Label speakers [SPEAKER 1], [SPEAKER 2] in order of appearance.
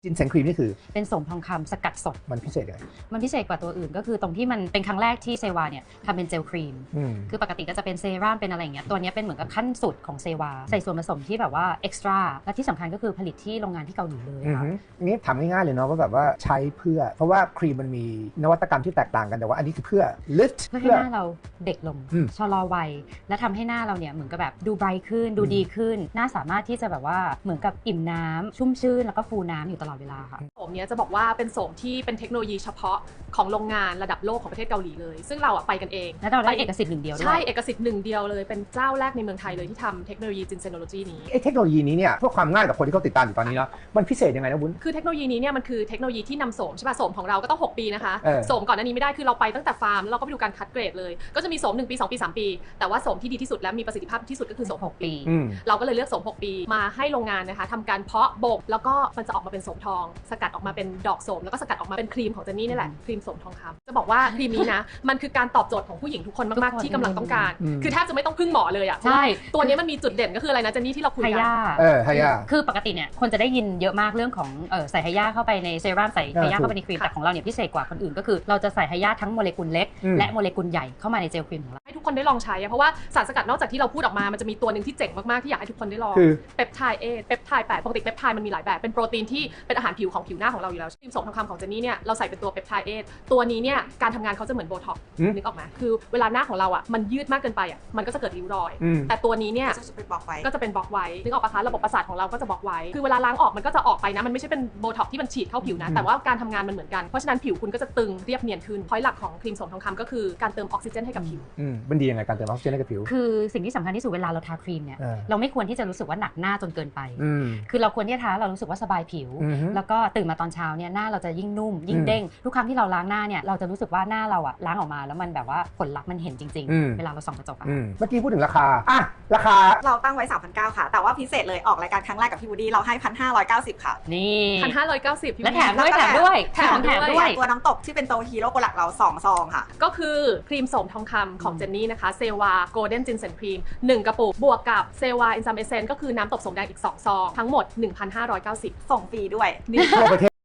[SPEAKER 1] จินเซนครีมนี่คือ
[SPEAKER 2] เป็นโสมทองคำสกัดสด
[SPEAKER 1] มันพิเศษยังไง
[SPEAKER 2] มันพิเศษกว่าตัวอื่นก็คือตรงที่มันเป็นครั้งแรกที่เซวาเนี่ยทำเป็นเจลครีมคือปกติก็จะเป็นเซรั่มเป็นอะไรอย่างเงี้ยตัวนี้เป็นเหมือนกับขั้นสุดของเซวาใส่ส่วนผสมที่แบบว่าเอ็กซ์ตร้าและที่สำคัญก็คือผลิตที่โรงงานที่เกาหลีเลยค่ะ
[SPEAKER 1] นี่ถามง่ายๆเลยเนาะว่าแบบว่าใช้เพื่อเพราะว่าครีมมันมีนวัตกรรมที่แตกต่างกันแต่ว่าอันนี้คือเพื่อ lift
[SPEAKER 2] เพื่อให้หน้าเราเด็กลงชะลอวัยและทำให้หน้าเราเนี่ยเหมือนกับแบบดูไบรท์ขึ้นดูดีขึ้นหน้าสามารถที่จะแบบว่าเหมือนกับอิ่มน้ำชุ่มชื่นแล้วก็ฟูน้ำอยู่ตลอดเวลาค่ะ
[SPEAKER 3] โสมเนี้ยจะบอกว่าเป็นโสมที่เป็นเทคโนโลยีเฉพาะของโรงงานระดับโลกของประเทศเกาหลีเลยซึ่งเราไปกันเอง
[SPEAKER 2] และเราได้เอกสิทธิ์หนึ่งเดียวด้วย
[SPEAKER 3] ใช่เอกสิทธิ์หนึ่งเดียวเลยเป็นเจ้าแรกในเมืองไทยเลยที่ทำเทคโนโลยีจินเซโนโลจีนี้
[SPEAKER 1] เทคโนโลยีนี้เนี่ยเพื่อความง่ายกับคนที่เขาติดตามอยู่ตอนนี้เนาะมันพิเศษยังไงนะวุ้น
[SPEAKER 3] คือเทคโนโลยีนี้เนี่ยมันคือเทคโนโลยีที่นำโสมใช่ป่ะโสมของเราก็ต้อง6 ปีนะคะโสมก่อนหน้านี้ไม่ได้คือเราไปตั้งแต่ฟาร์มแล้วเราก็ไปดูการคัดเกรดเลยก็จะมีโสม1 ปี 2 ปี 3 ปีแต่ว่าโสมที่ดีที่สุดและมีประสิทธิภาพที่สุดก็คือโสม6 ปีเราก็เลยเลือกโสม6 ปีมาให้โรงงานนะคะทำการเพาะบ่มแล้วก็มันจะออกมาเป็นโสมทองสกัดออกมาเป็นดอกโสมแล้วก็สกัดออกมาเป็นครีมของเจนนี่นี่แหละครีมโสมทองคำจะบอกว่าครีมนี้นะมันคือการตอบโจทย์ของผู้หญิงทุกคนมากๆที่กำลังต้องการคือแทบจะไม่ต้องพึ่งหมอเลยอ่ะใช่ตัวนี้มันมีจุดเด่นก็คืออะไรนะเจนนี่ที่เราคุยกัน
[SPEAKER 1] ไฮยา
[SPEAKER 2] คือปกติเนี่ยคนจะได้ยินเยอะมากเรื่องของใส่ไฮยาเข้าไปในเซรั่มใส่ไฮยาเข้าไปในครีมแต่ของเราเนี่ยพิเศษกว่าคนอื่นก็คือเราจะใส่ไฮยาทั้งโมเลกุลเล็กและโมเลกุลใหญ่เข้ามาในเจลครีมของเรา
[SPEAKER 3] ให้ทุกคนได้ลองใช้เพราะว่าสารสกัดนอกจากที่เราพูดออกมามันจะมีตัวหนึ่งที่เจ๋งมากๆที่อยากให้ทุกคนได้ลองเปปไทด์เปปไทด์8ปกติเปปไทด์มันมีหลายแบบเป็นโปรตีนที่เป็นอาหารผิวของผิวหน้าของเราอยู่แล้วครีมโสมทองคำของเจนนี่เนี่ยเราใส่เป็นตัวเปปไทด์ตัวนี้เนี่ยการทำงานเขาจะเหมือนโบท็อกซ์นึกออกไหมคือเวลาหน้าของเราอ่ะมันยืดมากเกินไปอ่ะมันก็จะเกิดริ้วรอยแต่ตัวนี้เนี่ยก็จะเป็นบล็อกไว้นึกออกปะคะระบบประสาทของเราก็จะบล็อกไว้คือเวลาล้างออกมันก็จะออกไปนะมันไม่ใช่เป็นโบท็อกซ์ที่มันฉีดเข้าผิวนะแต่ว่าการทำงานมันเหมือนกันเพราะฉะนั้นผิวคุณก็จะตึงเรียบเนียนขึ้นพอยต์หลักของครีมโสมทองคำก็คือการเติมออกซิเจนให้กับผิว
[SPEAKER 1] มันดียังไงการเติมออกซิเจนให้กับผิว
[SPEAKER 2] คือสิ่งที่สำคัญที่สุดเวลาเราทาครีมเนี่ยเราไม่ควรที่จะรู้สึกว่าหนักหน้าจนเกินไปคือเราควรที่จะทาเรารู้สึกว่าสบายผิวแล้วก็ตื่นมาตอนเช้าเนี่ยหน้าเราจะยิ่งนุ่มยิ่งเด้งทุกครั้งที่เราล้างหน้าเนี่ยเราจะรู้สึกว่าหน้าเราอะล้างออกมาแล้วมันแบบว่าผลลัพธ์มันเห็นจริงๆเวลาเราส่องกระจกอะ
[SPEAKER 1] เมื่อกี้พูดถึงราคาราคา
[SPEAKER 4] เราตั้งไว้ 3,900 ค่ะแต่ว่าพิเศษเลยออกรายการครั้งแรกกับพี่วูดดี้เราให้ 1,590 ค่ะ
[SPEAKER 2] นี่
[SPEAKER 3] 1,590
[SPEAKER 2] และแถมด้วย
[SPEAKER 4] ตัวน้ำตกที่เป็นตัวฮีโร่โปรดักต์เรา2 ซองค่ะ
[SPEAKER 3] ก็คือครีมโสมทองคำของเจนนี่นะคะเซวาโกลเด้นจินเซนครีม1 กระปุกบวกกับเซวาอินซัมเอเซนก็คือน้ำตบโสมแดงอีก2 ซองทั้งหมด 1,590
[SPEAKER 4] ส่งฟรีด้วย
[SPEAKER 1] ทั่วประเทศ